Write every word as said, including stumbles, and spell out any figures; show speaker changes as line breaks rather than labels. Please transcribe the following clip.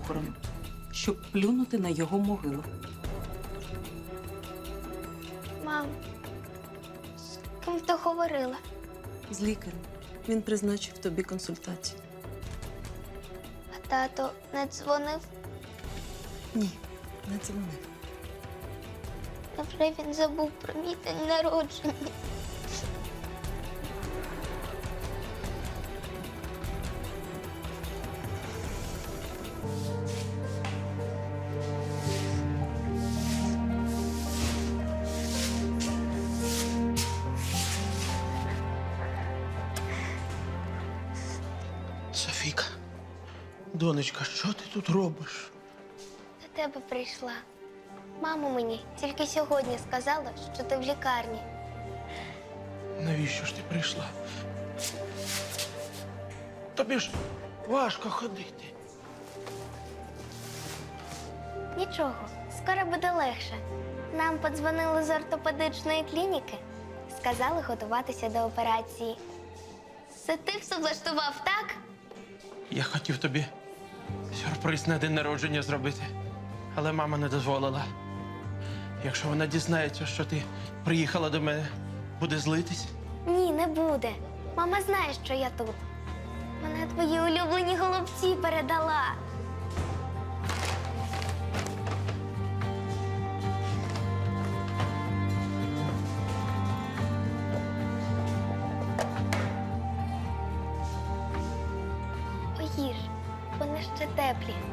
похорон, щоб плюнути на його могилу.
Мам, з ким ти говорила?
З лікарем. Він призначив тобі консультацію.
А тато не дзвонив?
Ні, не дзвонив.
Невже він забув про мій день народження?
Софійка, донечка, що ти тут робиш?
До тебе прийшла. Мама мені тільки сьогодні сказала, що ти в лікарні.
Навіщо ж ти прийшла? Тобі ж важко ходити.
Нічого, скоро буде легше. Нам подзвонили з ортопедичної клініки. Сказали готуватися до операції. Це ти все влаштував, так?
Я хотів тобі сюрприз на день народження зробити, але мама не дозволила. Якщо вона дізнається, що ти приїхала до мене, буде злитись.
Ні, не буде. Мама знає, що я тут. Вона твої улюблені голубці передала. Поїж, вони ще теплі.